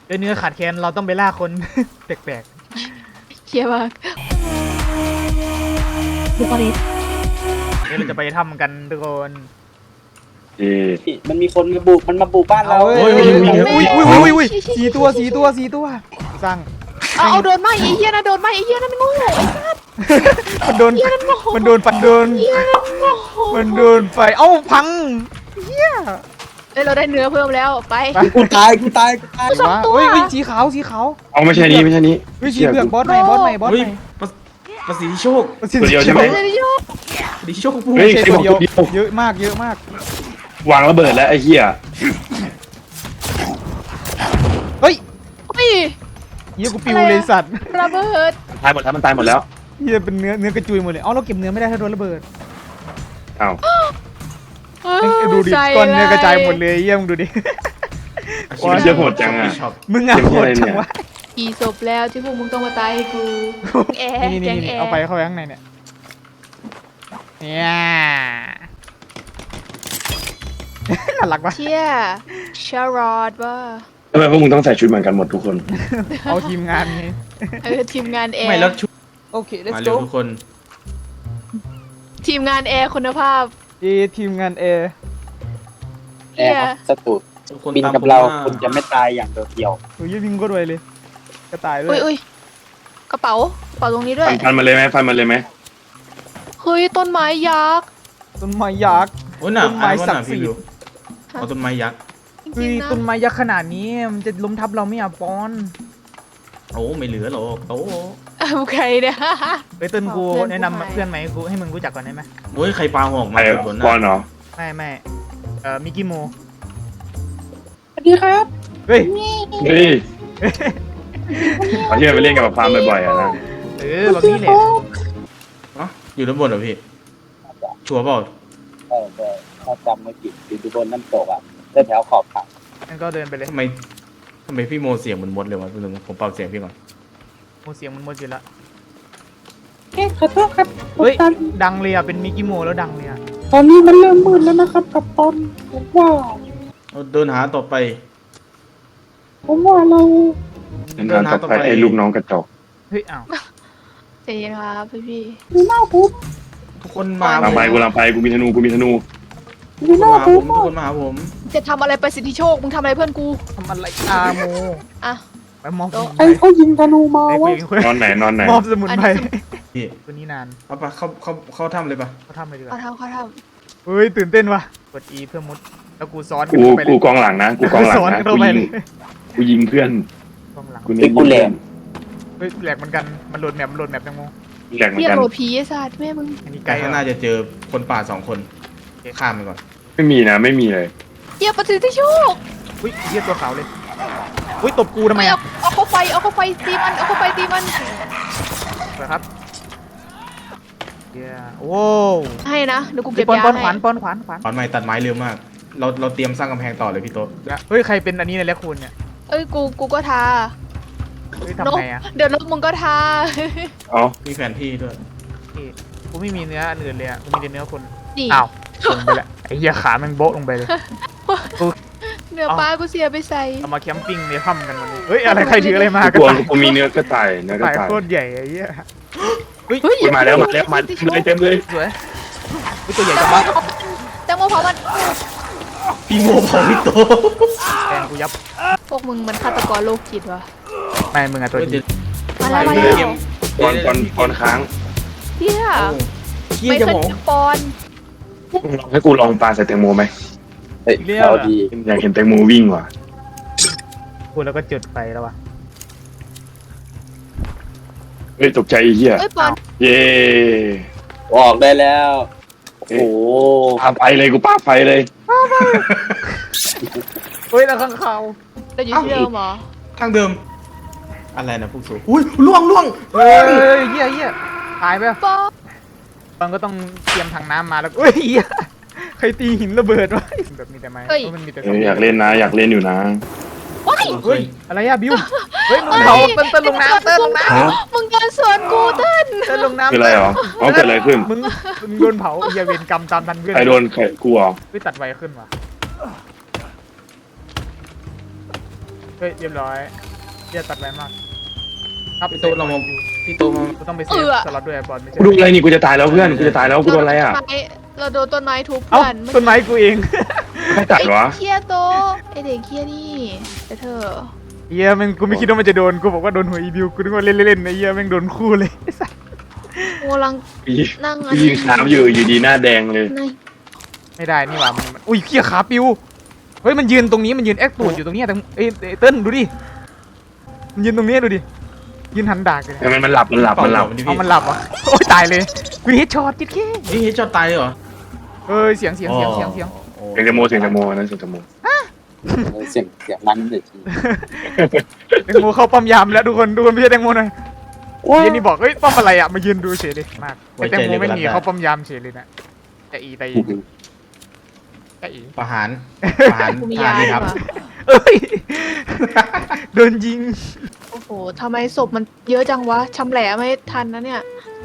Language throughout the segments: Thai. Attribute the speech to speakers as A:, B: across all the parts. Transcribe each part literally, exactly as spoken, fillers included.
A: ด้วยเนื้อขาดแคลนเราต้องไปล่าคน แปลก
B: เชียร์มากดูก่อนดิ
A: ๆนี่เราจะไปทำกันทุกคน
C: เอ๊ะ
D: มันมีคนมาบุกมันมาบุกบ้านเรา
A: เฮ้ยอุ้ยอุ้ยอุ้ยอุ้ยสี่ตัวสี่ตัวสี่ตัวสร้าง
B: เอาเอาโดนไหมไอ้เหี้ยนะโดนไหมไอ้เหี้ยนั่นมันโง่ไอ้สัส
A: มันโดนมันโดนปัดโดน
B: เหี้ยนั่นโง่
A: มันโดนไฟเอ้าพังเฮีย
B: เอ้ยเราได้เนื้อเพิ่มแล้วไป
D: กูตายกูตายกูตาย
B: สองตัว
A: เฮ้ยเฮ้ยสีขาวสีขาว
C: เอาไม่ใช่นี้ไม่ใช่นี้
A: เฮ้ยสีเหลืองบอสใหม่บอสใหม่บอส
E: เฮ้
A: ให
E: ย
A: ม่
E: ประประสิทธิโชค
C: ตัวเดียวใช่ไหม
B: เดี๋ยวโยก
E: ประสิทธิโชคพูด
C: เฮ้ย
A: ใช่
C: ใคร
A: ตัว
C: บอก
A: เดียว
C: ตัวเดียว
A: เยอะมากเยอะมาก
C: วางระเบิดแล้วไอ้เหี้ย
A: เฮ้ย
B: เฮ้ย
A: เฮียกูปิวเลยสัตว์
B: ระเบิด
C: ตายหมดแล้วมันตายหมดแล้ว
A: เฮียเป็นเนื้อเนื้อกระจุยหมดเลยอ๋อเราเก็บเนื้อไม่ได้ถ้าโดนระเบิด
C: อ้าว
A: เอ้ยดูดิก้อนเนื้อกระจายหมดเลยเยี่ยมงดูดิ
C: ชีวิตเยอะโหดจังอ่ะ
E: ช็อป
A: มึงอะโหดจังวะ
B: กี่ศพแล้วที่พวกมึงต้องมาตายให้กูแอร์
A: นี่
B: แก
A: นี่
B: ง
A: นี่
B: แอร์
A: เอาไปเข้าไปข้างในเนี่ยเนี่ยน่ารักปะ
B: เชี่ยชารอดว่า
C: ทำไมพวกมึงต้องใส่ชุดเหมือนกันหมดทุกคน
A: เอาทีมงานไง
B: เออทีมงานแอร์
E: ไม่แล้วชุด
A: โอเค let's
E: มาเร็
A: go
E: วทุกคน
B: ทีมงานแอร์คุณภาพ
A: เอทีมงานเอ
D: แอร์ครับสตูด
E: ทุกคน
D: บิน
E: ตาม
D: กับ
E: ผม
D: เรา
E: มา
D: คุณจะไม่ตายอย่างเดียว
A: โอ้ยวิ่งก็รวยเลยกระต่ายด้ว
B: อุ้
A: ย
B: ยอุ้ยกระเป๋ากระเป๋าตรงนี้ด้วย
C: ฟันฟันมาเลยไหมฟันมาเลยไหม
B: เฮ้ยต้นไม้ยักษ์
A: ต้นไม้ยักษ์
E: โอ้ยหนา
A: ต้นไม้
E: อ่านว่า
A: ศั
E: ห
A: ก
E: นา
A: ดิ์สิ
E: พี่
A: ทธิ์
E: วิวเอาต้นไม้ยักษ์
B: จ
A: เฮ้
B: ริ
A: ย
B: งๆนะ
A: ต้นไม้ยักษ์ขนาดนี้มันจะล้มทับเราไหม่อ่ะปอน
E: โอ้ไม่เหลือหรอกโอ้
B: เอาใครเนี่ย
A: ไปต้นกู
B: เพื่อนกู
A: แนะนำ
B: หาย
A: เพื่อนไหมกูให้มึงรู้จักก่อนได้ไหม
E: โอ้ยใครปาหอก
C: ไอ้
E: มาจากบน
C: บอล
E: น่ะ
C: เหรอ
A: ไม่ไม่เอ่อมิกกี้โม
D: ๆสวัสดีครับ
A: เฮ้ย
C: เฮ้ยเขาที่ไปเล่นกับฟาร์มบ่อยๆอ่ะนะ
A: เออแบบนี้แหละ
E: อ๋ออยู่ด้านบนเหรอพี่ชัวร์เปล่า
D: เออเออถ้าจำไม่ผิดอยู่บนน้ำตกอ่ะเดินแถวขอบเขา
A: งั้นก็เดินไปเลย
E: ทำไมทำไมพี่โมเสียงเหมือนมดเลยวะพี่ลุงผมเป่าเสียงพี่ก่อน
A: โมเสียงมันหมดอยู่ละ
F: เอ๊ะขอโทษครับ
A: เฮ้ย
F: ตอน
A: ดังเลยอ่ะเป็นมิกกี้โมแล้วดังเลยอ่ะ
F: ตอนนี้มันเริ่มมืดแล้วนะครับกับตอนผมว่า
E: เอาเดินหาต่อไป
F: ผมว่าเรา
C: เดินทางต่อไปไอ้ลูกน้องกระจอก
A: เฮ้ยอ้าว
B: ใจเย็นครับพี่พี่
F: ดูหน้าผม
E: ทุกคนมา
C: ลังไปกูลังไปกูมีธนูกูมีธนู
F: ดู
E: ทุก
F: ห
E: คน
F: น้า
E: มาหา
F: ผ
E: ผม มทุก
F: อะ
E: คนมาหาผม
B: จะทำอะไรประสิทธิโชคมึงทำอะไรเพื่อนกู
A: ทำอะไรอาโม
B: อ่ะ
A: ไปมอบสมุน
F: ใคร
A: ไพร
F: เขายิงธนูมา
A: ไอ้
F: วะ
A: คุยกันคุย
C: นอนไหนนอนไหน
A: มอบสมุนไพร
E: พี่
A: ตัวนี้นาน
E: เอาปะเข้าเข้าเข้าถ้ำเลยปะ
A: เขาทำอะไรดีก
B: เขา
A: ว่า
B: ทำเขาท
A: เฮ้ยตื่นเต้นว่ะกด E เพื่อมุดแล้วกูซ้อน
C: กู
A: ไปเล
C: กู
A: ย
C: กองหลังนะกูกองหลัง
A: ซ้อน
C: นะ
A: เข้า
C: กู
A: ไป
C: ยิง
A: เลย
C: กูยิงเพื่อน
A: กองหลัง
C: กูเน้นยิงเพื่อน
A: เฮ้ยแหลกเหมือนกันมันโหลดแมปมันโหลดแมปยังงง
C: แหลกเห
B: ำ
C: มือ
B: เรีย
C: น
B: ก
C: กัน
B: โรพีไอ้สัตว์แม่มึง
A: อันนี้ไก
E: ไก
A: ล
E: ลข้างหน้าจะเจอคนป่าสองคนข้ามไปก่อน
C: ไม่มีนะไม่มีเลย
B: เรียกประสิทธิโชค
A: อุ้ยเฮียตัวขาวเลยอุ้ยตบกูทำไม
B: เอา
A: อ่ะ
B: เอาเข้าไฟเอาเข้าไฟตีมันเอาเข้าไฟตีมัน
A: เหรอครับเฮียโอ้
B: ให้นะเดี๋ยวกู
A: เก็
B: เก็
A: บบ ปอน
B: ยา
A: ปอนข
B: ให้
A: วานปอนขวานขวาน
E: ตอนไม้ตัดไม้เร็วมาก เราเราเตรียมสร้างกำแพงต่อเลยพี่โต๊ะ
A: เฮ้ยใครเป็นอันนี้ในแลคคูนเนี่ย
B: เอ้ยกูกูก็ทา
A: เฮ้ย
B: น
A: ทำ
B: ก
A: ไงอ่ะ
B: เดี๋ยวนกมึงก็ทา
C: อ๋อ
E: มีแผนที่ด้วย
A: พี่กูไม่มีเนื้ออันอื่นเลยอ่ะกูมีแต่เนื้อคน
B: นี่
A: อ้าวลงไปละไอ้เหี้ยขาแมันโบ๊ะลงไปเลย
B: เนื้อปลากูเสียไปใส่
A: เอามาแคมปิ้งในถ้ำกันวันนี้เฮ้ยอะไรใครถืออะไรมา
C: กู
A: กระต่าย
C: กูมีเนื้อกระต่ายเนื้อกระ
A: ต่าย
C: ต่าย
A: โคตรใหญ่ไอ้เหี้ยเฮ้ย
B: เฮ้ย
C: กูมาแล้วมาแล้วมาเต็มเลยเต็มเลย
A: สวยเฮ้ยตัวใหญ่
B: แต
A: จั
B: ง
A: ง
B: โม
A: วะ
B: แตงโมเผามัน
E: พี่โมเผาพี่โต๊ะ
A: แทงกูยับ
B: พวกมึงมันฆาตกรโรคจิตวะ
A: ไม่มึงอะตัวจริง
B: มาแล้วมา
E: เดี๋
B: แล้
E: ยว
B: ว
C: ตอนตอนตอนค้าง
B: เฮีย
E: เฮีย
B: ไม่
E: จะ
B: เคย
E: บอก
B: เจอปอน
C: ลองให้กูลองปลาใส่แตงโมไหม
D: เฮ้ยเอาดี
C: อยากเห็นแตงโมวิ่งว่ะ
A: พูดแล้วก็จุดไปแล้ววะ
C: เฮ้ยตกใจไอ้เหี้ย
B: เอ้ยปอน
C: เย้
D: ออกได้แล้ว โอ้โห
C: ปาไฟเลยกูปาไฟเลย
A: เฮ้ยแล้วข้างเขา
B: เราอยู่ที่เดิมเหรอ
E: ทางเดิม อะไรนะพวกสูอุ้ยล่วงล่วง
A: เฮ้ยเหี้ยเหี้ยตายไป
B: ปอน
A: มันก็ต้องเตรียมถังน้ำมาแล้วเฮ้ยเหี้ยใครตีหินระเบิดวะแบบมีแต่ไม้เพราะมันมีแต่
C: เอออยากเล่นนะ อยากเล่นอยู่นะ
B: ว้าย
A: เฮ้ยอะไรอะบิวเฮ้ยมึงเผาเต้นเต้นลงน้ำเต้นลงน้ำ
B: มึงเดินสวนกูเต้น
A: เต้นลงน้ำ
C: คืออะไรเหรอเอาเกิดอะไรขึ้น
A: มึงมึงโดนเผาไอ้เหี้ยเวรกรรมตามทันเพื่อน
C: ใครโดนใครกูเหรอ
A: เฮ้ยตัดไวขึ้นว่ะเฮ้ยเรียบร้อยเหี้ยตัดไวมากครับ
E: พี่โตเรามาพี่โตมา
A: กูต้องไปเซฟสล็อตด้วยบอลไม่ใช่
C: กูดูอะไรนี่กูจะตายแล้วเพื่อนกูจะตายแล้วกูโดนอะไรอ่ะ
B: เราโดนต้นไม้ทุบ
A: เอ้า
B: กัน
A: ต้นไม้กูเอง
C: ไม่ตัดวะ
B: ไอ้เคียโตไอเด็กเคียนี่แต่เธอ
A: เฮียแม่งกูไม่คิดว่ามันจะโดนกูบอกว่าโดนหัวอีบิวกูนึกว่าเล่นๆนะเฮียแม่งโดนคู่เลย
B: กูกำลัง
C: ปี
B: นั่ง
C: ปียิงขามอยู่อยู่ดีหน้าแดงเลย
B: ใน
A: ไม่ได้นี่หว่ามันอุ้ยเขี้ยขาปิวเฮ้ยมันยืนตรงนี้มันยืนแอคตูดอยู่ตรงนี้แต่เอ้ยเติ้ลดูดิมันยืนตรงนี้ดูดิยืนหันดากเลย
C: แต่มันมันหลับมันหลับมันหลับ
A: เอามันหลับอ่ะโอ้ยตายเลยกูเฮดช็อตจิ๊ดแค่
E: นี่เฮดช็อตตายเลยเหรอ
A: เอ้ยเสียงเสียงเสียงเสียงเสียง
E: โอ้
C: เสียงจโมเสียงจโมนั่นเสียงจโม
D: เสียงเสียงมันเลยที
A: แตงโมเข้าป้อมยามแล้วทุกคนทุกคนไม่ใช่แตงโมหน่อยเย็นนี่บอกเฮ้ยป้อมอะไรอ่ะมายืนดูเฉยเลยมากไอ้แตงโมไม่หนีเข้าป้อมยามเฉยเลยนะแต่อีไปอีแต่อี
E: ประหารประหาร
B: กูมี
E: ประหาย
B: าร
E: เลยครับ
B: ว่ะ
A: เอ้ยโดนยิง
B: โอ้โหทำไมศพมันเยอะจังวะชำแหละไม่ทันนะเนี่ย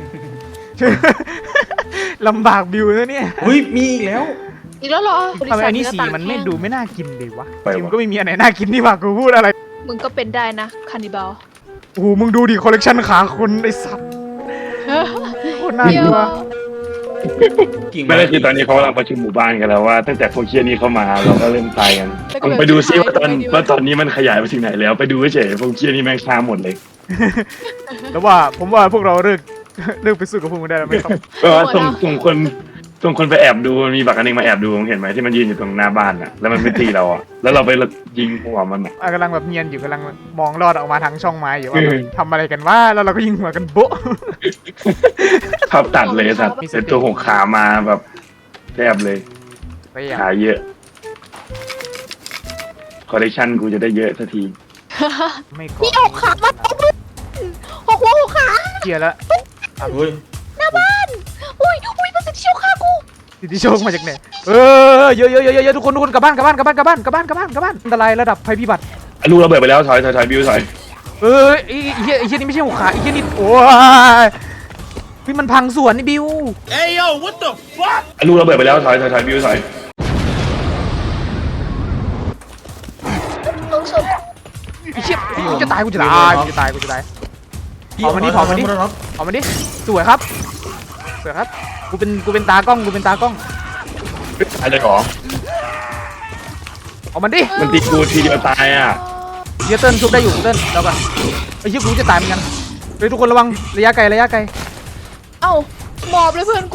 A: ลำบากบิวนะเนี่ย
E: อุ้ยมีอีกแล้ว
B: อีกแล้วเหรอ
A: ทำไมอันนี้สีมันไม่ดูไม่น่ากินเลยวะจริงก็ไม่มีอันไหนน่ากินนี่หว่ากูพูดอะไร
B: มึงก็เป็นได้นะคานิบาล
A: โอ้โหมึงดูดิคอลเลกชันขาคนไอ้สัตว์โคตรน่าก
B: เดี๋ยว
A: ลัว
E: กิ่ง
C: ไม่ได้คือตอนนี้เขากำลังประชุมหมู่บ้านกันแล้วว่าตั้งแต่พวกเคียนี้เข้ามาเราก็เริ่มตายกันมึงไปดูซิว่าตอนว่าตอนนี้มันขยายไปถึงไหนแล้วไปดูเฉยพวกเคียนี้แม่งฆ่าหมดเลย
A: แล้วว่าผมว่าพวกเราเลิกเลิกไปสู้กับพวกมึงได้แล้วไม่ต้อง
C: ก็ส่งส่งคนส่งคนไปแอบดูมันมีบักอันนึงมาแอบดูมึงเห็นไหมที่มันยืนอยู่ตรงหน้าบ้านอ่ะแล้วมันไม่ตีเราอ่ะแล้วเราไปยิงหัวมันอ่ะ
A: อ่ะกำลังแบบเนียนอยู่กำลังมองลอดออกมาทางช่องไม้อยู่ว่าแบบทำอะไรกันว่าแล้วเราก็ยิงหัวกันโบ๊ะ
C: ภาพตัดเลยสัตว์เป็นตัวหกขามาแบบแทบเลย
A: ไปอ่ะ
C: ขาเยอะคอลเลคชันกูจะได้เยอะสักที
A: ไม่ก
B: มี
A: อ
B: ออกขามาหกหัวหกขา
A: เกลียร์แล้ว
E: อุ้ย
B: หน้าบ้านอุ้ยอุ้ยมันจะเชี่ยวขากู
A: สิทธิโชคมาจากไหนเออเยอะเยอะเยอะเยอะทุกคนทุกคนกลับบ้านกลับบ้านกลับบ้านกลับบ้านกลับบ้านกลับบ้านกลับบ้านอันตรายระดับภัยพิบัติ
C: อ่ะลูกระเบิดไปแล้วถอยถอยถอยบิวถอย
A: เออไอ้เหี้ยไอ้เหี้ยนี่ไม่ใช่หัวขาไอ้เหี้ยนี่โอ้ยพี่มันพังสวนนี่บิว
C: อ่ะลูกระเบิดไปแล้วถอยถอยถอยบิวถอย
B: ลงศพ
A: ไอ้เชี่ยกูจะตายกูจะตายกูจะตายกูจะตายเผามันดิเผามันดิ
E: ครับ
A: เอามันดิสวยครับสวยครับกูเป็นกูเป็นตากล้องกูเป็นตากล้อง
C: อะไรหรอ
A: เอามันดิ
C: มันตีกูทีเดียวตายอ่ะ
A: เฮียเติ้ลชุบได้อยู่เติ้ลแล้วกันไอ้เหี้ยกูจะตายเหมือนกันเฮ้ยทุกคนระวังระยะไกลระยะไกล
B: เอ้าหมอบเลยเพื่อนกู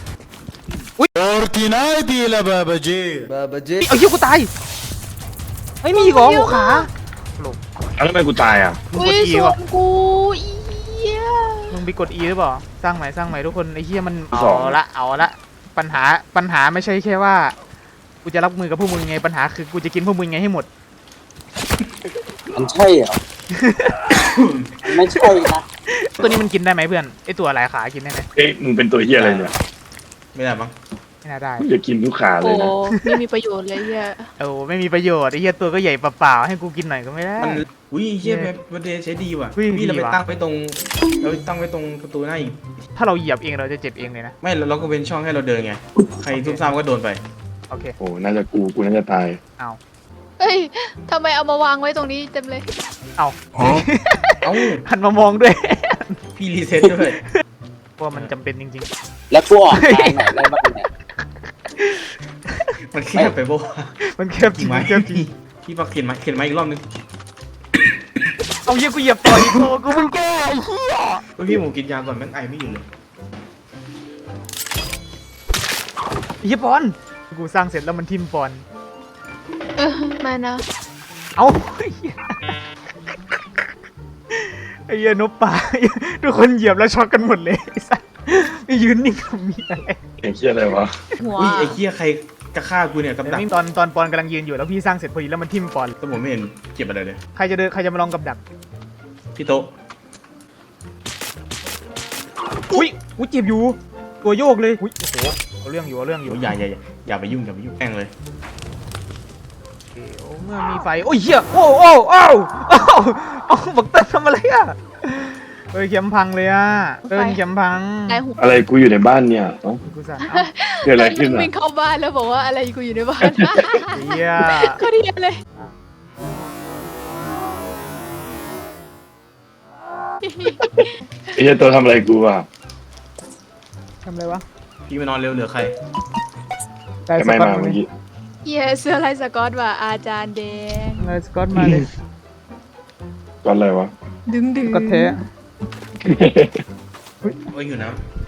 G: Fortnite la babaji.
A: ไอ้เหี้ยกูตายเฮ้ยมีอีกเหรอหัวขา
C: แล้วทำไมกูตายอ่ะ
A: มึง
B: อุ้
A: ก
B: ย
A: ด E
B: ส่ว
A: ป่ะ
B: นกูอีเหี้ย
A: มึงไปกด E หรือเปล่าสร้างใหม่สร้างใหม่ทุกคนไอ้เหี้ยมันเอาละเอาละปัญหาปัญหาไม่ใช่แค่ว่ากูจะรับมือกับพวกมึงไงปัญหาคือกูจะกินพวกมึงไงให้หมด
D: มันใช่เหรอ มันไม่ใช่นะ
A: ตัวนี้มันกินได้ไหมเพื่อนไอตัวหลายขากินได้ไหม
C: เอ๊ะมึงเป็นตัวเฮียอะไรเนี่ย
E: ไม่ได้มั้ง
A: ไม่น่าได้
C: มึงจะกินทุกขาเล
B: โอ้
C: ยนะ
B: ไม่มีประโยชน์เลยเหี้ย
A: โอ้ไม่มีประโยชน์ไอเหี้ยตัวก็ใหญ่เปล่าๆให้กูกินหน่อยก็ไม่ได้
E: มันอุ้ยเฮียแบบประเดใช้ดีว่ะ
A: อุ้ย
E: พี่เรา
A: ดี
E: ไป
A: ว่ะ
E: ตั้งไว้ตรงเราไปตั้งไว้ตรงประตูหน้าอีก
A: ถ้าเราเหยียบเองเราจะเจ็บเองเลยนะ
E: ไม่เราก็เป็นช่องให้เราเดินไงใครซุ่มซ่ามก็โดนไป
A: โอเค
C: โอ้น่าจะกูกูน่าจะตาย
A: เอา
B: เฮ้ยทำไมเอามาวางไว้ตรงนี้เต็มเลย
A: เอา
E: เอ้า
A: หันมามองด้วย
E: พี่รีเซ็ตด้วย
A: ว่ามันจำเป็นจริง
D: แล้วกูออกทางไหนได้บ้างเนี่ย
E: มันแคบไปบ่
A: ๆ มันแคบจริ
E: กิ่
A: ง
E: งไม้
A: แคบจริง
E: พี่ปักเขียนไม้เขียนไม้อีกรอบนึง
A: เอาเหี้ยกูเหยียบต่ออีกโอ้กูมึงแก้ไอ้เหี้ย
E: เฮ้ยพี่หมูกินยาก่อนแม่งไอไม่อยู่เลย
A: ไอ้เหี้ยปอนกูสร้างเสร็จแล้วมันทิ่มปอน
B: เออมานะ
A: เอาไอ้เหี้ยไอ้เหี้ยนกป่าทุกคนเหยียบแล้วช็อกกันหมดเลยไอ้สัสไม่ยืนนิ่งทำมีอะไร
C: เก่งเฮียอะไรวะ
B: หัว
E: อุ้ยไอ้เหี้ยใครกระฆ่ากูเนี่ยกับดัก
A: ตอนตอนปอนกำลังยืนอยู่แล้วพี่สร้างเสร็จพอดีแล้วมันทิ่มปอน
E: แต่ผมไม่เห็นเก็บอะไรเลย
A: ใครจะเดินใครจะมาลองกับดัก
E: พี่โต๊ะ
A: อุ้ยอุ้ยเจ็บอยู่ตัวโยกเลยอุ้ยโอ้โหเอาเรื่องอยู่เอาเรื่องอยู่
E: โอ้ยอย่าอย่าอย่าอย่าไปยุ่งอย่าไปยุ่งแม่งเลย
A: เดี๋ยวเมื่อมีไฟโอ้ยเหี้ยโอ้โอ้โอ้โอ้โอ้บักเติ้ลทำอะไรอ่ะเฮ้ยเข็มพังเลยอ่ะเติ้ลเข็มพัง
B: นายหัว
C: อะไรกูอยู่ในบ้านเนี่ยเอ้า
A: กูสั่นเอ้า
C: เกิดอะไรขึ้นอ่ะ
B: วิ่งเข้าบ้านแล้วบอกว่าอะไรกูอยู่ในบ้าน
A: เหี้ย
B: ก็เดียเลย
C: ไอ้เหี้ยตัวทำอะไรกูอ่ะ
A: ทำอะไรวะ
E: พี่มานอนเร็วเหลือใคร
A: ได้ส
C: ไม่
A: กอต
C: มา
A: มา
C: เมื่อ
A: เลย
C: กี้
B: เย้เสื้อลายสกอตว่ะอาจารย์แดง
A: ได้สกอตมาเลย
C: ก่อนอะไรวะ
B: ดึงดึง
A: สกอตแท้
E: โอ้ยอยู่น้ำ